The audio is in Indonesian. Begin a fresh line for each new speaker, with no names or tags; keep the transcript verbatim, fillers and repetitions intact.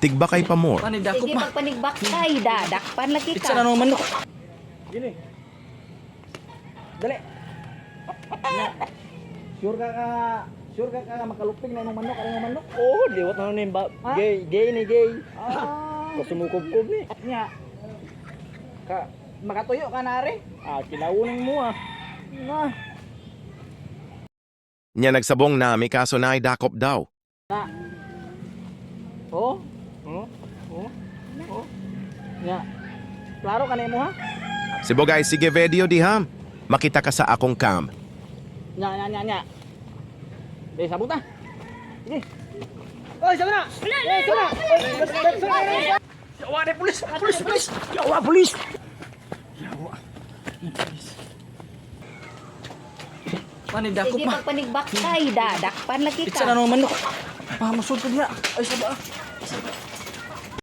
Tigbakay pa more.
Panidakop
Sige,
ma.
pagpanigbak kay dadakpan lagi
Pitsa
ka.
na nung manok.
Gini. Dali. Na. Sure ka ka, sure ka ka makaluping na ng manok, ano ng manok?
Oh, liwat na nun yung ba.
Ha?
Gay, gay ni gay.
Ah.
Kung sumukub-kub ni.
Nya. Ka makatuyo ka na rin.
Ah, kilawunin mo ah.
Na.
Nya nagsabong nami kaso na dakop daw.
Na. Oh. Oh. Oh. Oh. Nya. Klaro ka na mo ha?
Si Bogay, sige video di ham. Makita ka sa akong cam.
Nya, nya, nya, nya. Eh, sabot na. Sige. Oy, sabot na. Eh, sabot na. Oy, sabot na.
Yawa ni pulis, pulis, pulis. Yawa pulis. Yawa. Panidakop
Sige,
ma.
pagpanigbak kay dadakpan lagi
Pitsa
ka.
na nung manok. Pahamasod ko niya. Ay, saba ah.